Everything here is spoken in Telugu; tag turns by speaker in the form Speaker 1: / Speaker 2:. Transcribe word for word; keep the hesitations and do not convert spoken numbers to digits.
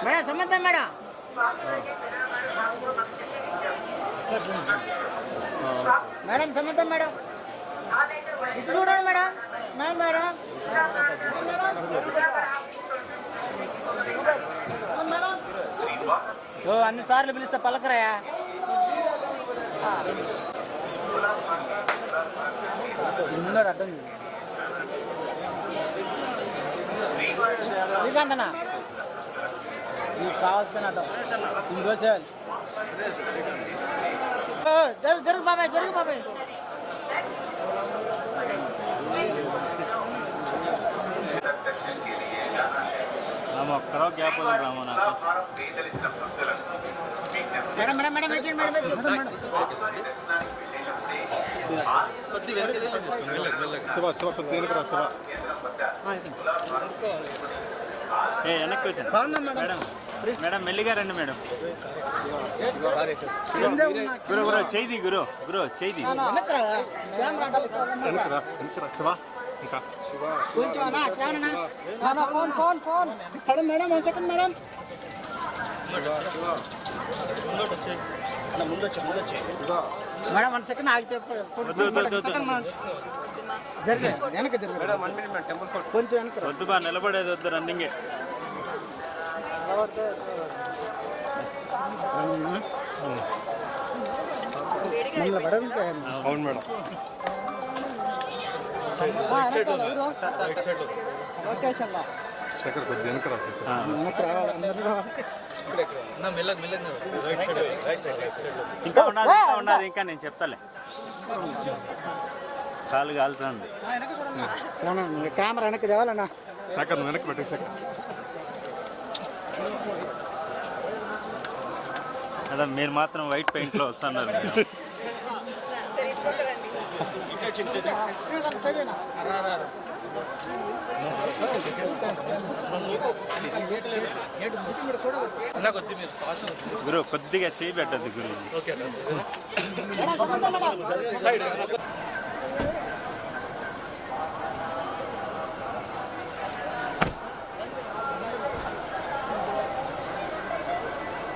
Speaker 1: మేడం సంబంధం మేడం మేడం సంబంధం మేడం ఇటు చూడండి మేడం మేడం మేడం ఓ అన్ని సార్లు పిలిస్తే పలకరాయా ముందర అర్థం శ్రీకాంత్ అన్న నీకు కావాల్సిన అర్థం ఇంకో చేయాలి జరుగు జరుగు బాబాయ్ జరుగు బాబాయ్
Speaker 2: ఒక్కరో గ్యాప్ రామా నాకు
Speaker 1: madam madam madam madam madam
Speaker 3: Shiva Shiva దేనికి రా శివ
Speaker 2: ఏ వెనక్కి వచ్చాను మేడం మేడం మెల్లిగా రండి మేడం గురు గురు చేయి గురు గురు చేయి
Speaker 3: శివ ఇంకా
Speaker 1: కొంచెం phone phone phone madam madam one second madam madam one second ఆగితే జరిగే వెనక జరిగే కొంచెం వెనక
Speaker 2: వద్దు బా నిలబడేది వద్దు రన్నింగే
Speaker 3: అవును మేడం శేఖర్ కొద్ది వెనక రా
Speaker 2: ఇంకా ఉన్నది ఇంకా ఉన్నది ఇంకా నేను చెప్తాలే కాలు కాలుతుంది
Speaker 1: కెమెరా వెనక్కి తేవాలన్నా
Speaker 3: శేఖర్ నువ్వు వెనక్కి పెట్టే శేఖర్
Speaker 2: మేడం మీరు మాత్రం వైట్ పెయింట్ లో వస్తున్నారు గురు కొద్దిగా చేయి పెట్టద్దు గురు